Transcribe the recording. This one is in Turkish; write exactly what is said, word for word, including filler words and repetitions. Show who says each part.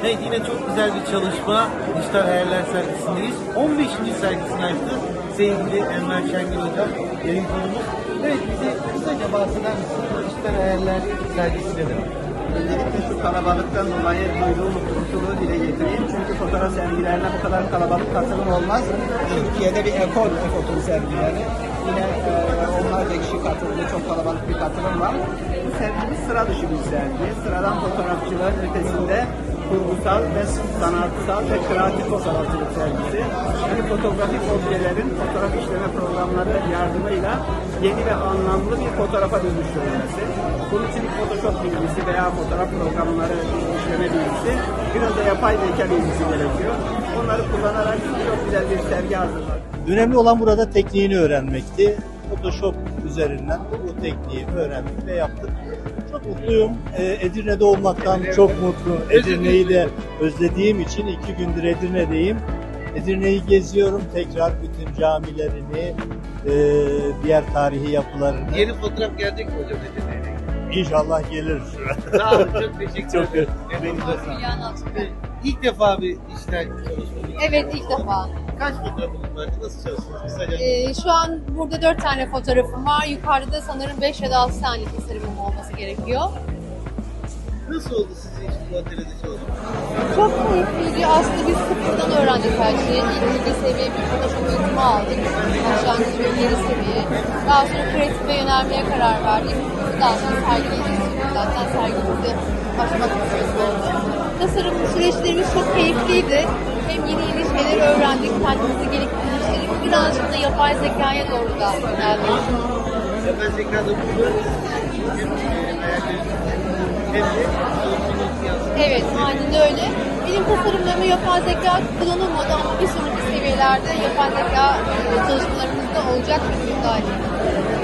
Speaker 1: Evet, yine çok güzel bir çalışma. Dijital Hayaller sergisindeyiz. on beşinci sergisini açtı sevgili Enver Şengül Hocam, yayın konumuz. Evet, bize kısaca bahseder misiniz? Dijital Hayaller sergisi nedir?
Speaker 2: Öncelikle şu kalabalıktan dolayı duyduğum mutluluğu dile getireyim. Çünkü fotoğraf sergilerine bu kadar kalabalık katılım olmaz. Türkiye'de bir ekol fotoğraf sergileri. Yine e, onlarca kişi katıldı, çok kalabalık bir katılım var. Bu sergimiz sıra dışı bir sergi. Sıradan fotoğrafçıların ötesinde kurgusal ve sanatsal ve kreatif fotoğrafçılık sergisi. Yani fotoğrafik objelerin fotoğraf işleme programları yardımıyla yeni ve anlamlı bir fotoğrafa dönüştürülmesi. Bunun için Photoshop bilgisi veya fotoğraf programları işleme bilgisi, biraz da yapay zeka bilgisi gerekiyor. Onları kullanarak çok güzel bir sergi hazırladık.
Speaker 3: Önemli olan burada tekniğini öğrenmekti. Photoshop üzerinden bu tekniği öğrendik ve yaptık. Çok mutluyum. Ee, Edirne'de olmaktan çok mutlu. Edirne'yi de özlediğim için iki gündür Edirne'deyim. Edirne'yi geziyorum. Tekrar bütün camilerini, e, diğer tarihi yapılarını.
Speaker 1: Yeni fotoğraf gelecek mi hocam Edirne'ye?
Speaker 3: İnşallah gelir.
Speaker 1: Sağ olun, çok teşekkür
Speaker 3: Çok
Speaker 1: ederim.
Speaker 4: Hülya Nalçık.
Speaker 1: İlk defa bir dijital çalışma.
Speaker 4: Evet, ilk defa.
Speaker 1: Kaç fotoğrafınız var? Nasıl çalıştınız? Kısaca.
Speaker 4: Ee, şu an burada dört tane fotoğrafım var. Yukarıda da sanırım beş ya da altı tane tasarımım olması gerekiyor.
Speaker 1: Nasıl oldu sizin için bu atölyede çalışmak?
Speaker 4: Çok keyifliydi. Aslında biz sıfırdan öğrendik her şeyi. İlk bilgi seviye bir Photoshop eğitimi aldık. Başlangıç ve ileri seviye. Daha sonra kreatife yönelmeye karar verdik. Daha sonra sergileyeceğiz. Zaten sergimizde başlamak istiyoruz oldu. Tasarım süreçlerimiz çok keyifliydi. Hem yeni yeni şeyler öğrendik, kendimizi geliştirdik. Birazcık da yapay zekaya doğru da yöneldik.
Speaker 1: Yapay zekada bu hem hayalleriniz hem de çalışmanız yansıdı.
Speaker 4: Evet, aynen öyle. Benim tasarımlarıma yapay zeka kullanılmadı ama bir sonraki seviyelerde yapay zeka çalışmalarımızda olacak bir müdahale.